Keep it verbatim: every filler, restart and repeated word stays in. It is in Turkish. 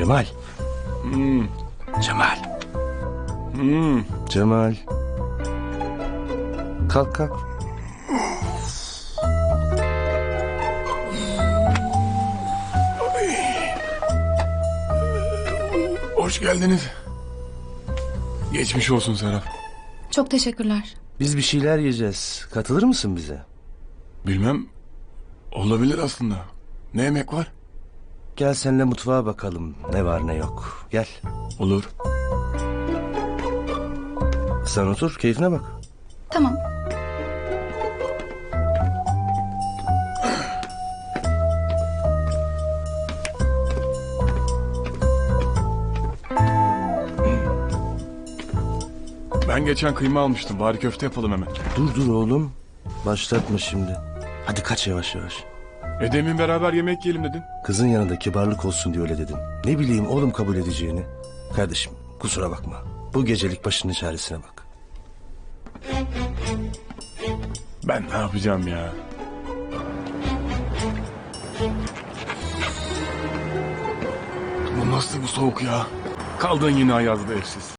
Cemal. Hmm. Cemal. Hmm. Cemal. Kalk kalk. Hoş geldiniz. Geçmiş olsun Serap. Çok teşekkürler. Biz bir şeyler yiyeceğiz. Katılır mısın bize? Bilmem. Olabilir aslında. Ne yemek var? Gel seninle mutfağa bakalım. Ne var ne yok. Gel. Olur. Sen otur, keyfine bak. Tamam. Ben geçen kıyma almıştım. Bari köfte yapalım hemen. Dur dur oğlum. Başlatma şimdi. Hadi kaç yavaş yavaş. E demin beraber yemek yiyelim dedin. Kızın yanında kibarlık olsun diye öyle dedim. Ne bileyim oğlum kabul edeceğini. Kardeşim kusura bakma. Bu gecelik başının çaresine bak. Ben ne yapacağım ya? Bu nasıl bu soğuk ya? Kaldın yine ayazda evsiz.